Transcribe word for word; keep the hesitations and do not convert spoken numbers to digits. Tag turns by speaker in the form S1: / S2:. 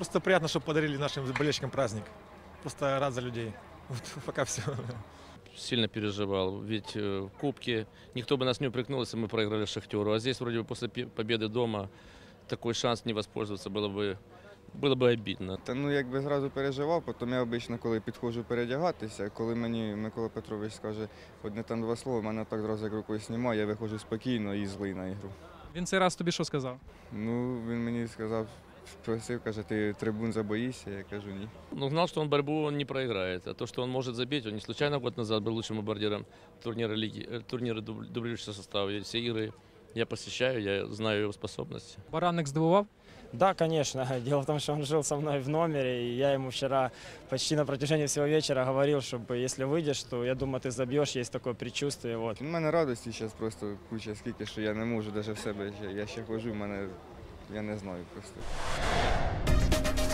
S1: Просто приятно, что подарили нашим болельщикам праздник. Просто рад за людей. Вот пока все.
S2: Сильно переживал, ведь в Кубке никто бы нас не упрекнул, если мы проиграли Шахтеру. А здесь вроде бы после победы дома такой шанс не воспользоваться было бы, було б обідно.
S3: Та ну якби зразу переживав, потім я обично, коли підходжу передягатися, коли мені Микола Петрович скаже одне там два слова, мене так зразу як рукою знімає, я виходжу спокійно і злий на ігру.
S4: Він цей раз тобі що сказав?
S3: Ну, він мені сказав, просив, каже, ти трибун забоїшся, я кажу ні.
S2: Но знал, что он борьбу он не проиграет. А то, что он может забить, он не случайно год назад был лучшим бомбардиром турнира, лиги, э, турнира дублирующего состава. И все игры я посещаю, я знаю его способности.
S4: Баранник здивував?
S5: Да, конечно. Дело в том, что он жил со мной в номере, и я ему вчера почти на протяжении всего вечера говорил, чтобы если выйдешь, то я думаю, ты забьешь, есть такое предчувствие. Вот.
S3: У мене радості зараз просто куча скільки, що я не можу навіть в себе, я ще ходжу, в мене, я не знаю просто.